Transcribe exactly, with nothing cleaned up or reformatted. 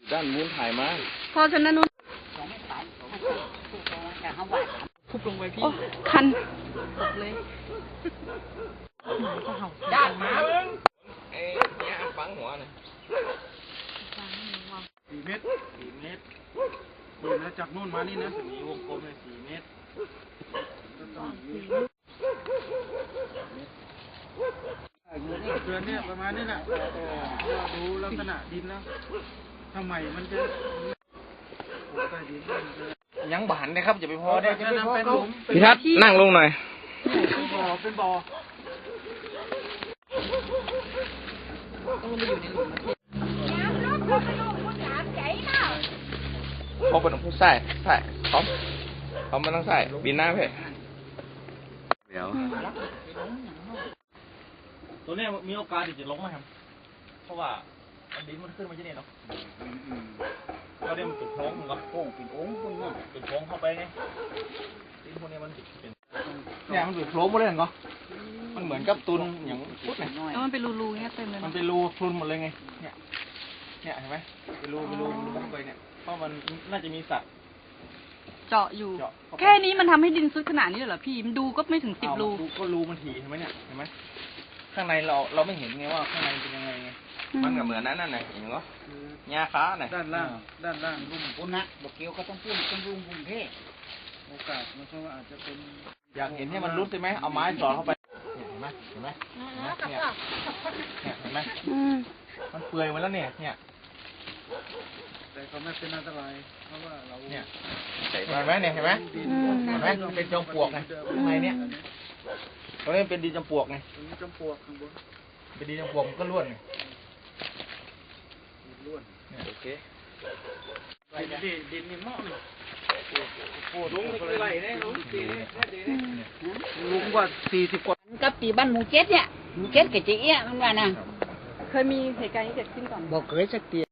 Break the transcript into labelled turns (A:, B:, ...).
A: ด้านมูนถ่ายมา
B: พอฉะนั้นนู้นทุบลงไปพี่คันตกเลย
A: ด้านมาเบิ้งเอ้ยเนี่ยฟังหัวหน่อย
C: สี่เมตรสี่เมตรเดินแล้วจากนู่นมานี่นะสีวงกลมเลยสี่เมตรเดือนเนี่ยประมาณนี้แหละดูลักษณะดินแล้วทำไมมันจะใต้ดิน
A: ยังบานนะครับอย่าไปพอได้
C: เป็นหลุม
A: พี่ทัศน์นั่งลงหน่อย
C: เป็นบ่อเป็นบ่อ
A: เขาเป็นผู้ใส่ใส่เขาเขาไม่ต้องใส่บินหน้าเพ่เดี๋ยว
C: ตัวนี้มีโอกาสที่จะลงไหมครับเพราะว่าดินมันขึ้นมาที่นี่เนาะก็เดี๋ยวมันเป็นโพรงมันก็โพรงเป็นองค์พวกนี้เป็นโพรงเข้าไปไงดินพวกนี้มันเป็นเนี่ยมันเป็นโพรงหมดเลยเหรอมันเหมือนกับตุนอย่างพุทธเนี่ย
B: แล้วมันเป็นรูๆเงี้ยเต็มเลย
C: มันเป็นรูพรุนหมดเลยไงเนี่ยเนี่ยเห็นไหมเป็นรูเป็นรูรูเข้าไปเนี่ยเพราะมันน่าจะมีสัตว์
B: เจาะอยู่แค่นี้มันทำให้ดินซุดขนาดนี้เหรอพี่มันดูก็ไม่ถึงสิบรู
C: ก็รูมันถี่เห็นไหมเนี่ยเห็นไหมข้างในเราเราไม่เห็นไงว่าข้างในเป็นยังไงไง
A: มันก็เหมือนนั้นนั่นไงเห็นไหมหญ้าค้าไง
C: ด้านล่างด้านล่างรุ่มบนนะบอกเกี้ยวก็ต้องพูดต้องรุ่มบุญเทโอกาสมันก็อาจจะเป็นอยากเห็นให้มันรุดใช่ไหมเอาไม้สอดเข้าไปเห็นไหมเห็นไหมเนี่ยเนี่ยเห็นไหมมันเปื่อยมาแล้วเนี่ยเนี่ยแต่ก็ไม่เป็นอันตรายเพราะว่าเราเนี่ยเห็นไหมเนี่ยเห็นไหมเห็นไหมเป็นจอมปลวกไงข้างในเนี่ยตรงนี้เป็นดินจอมปลวกไงดินจอมปลวกข้างบนเป็นดินจอมปลวกมันก็ล้วนไงล้วนเนี่ยโอเคดินดินนี่เหมาะเลยโอ้ลุงนี่ไรเนี่ยลุงสี่ลุงกว่าสี่สิบกว่า
D: กับปีบ้านหมู่เจ็ดเนี่ยหมู่เจ็ดกับจีเอี้ยมันว่านะ
B: เคยมีเหตุการณ์นี้เกิดขึ้นก่อน
D: บอกเคยสักที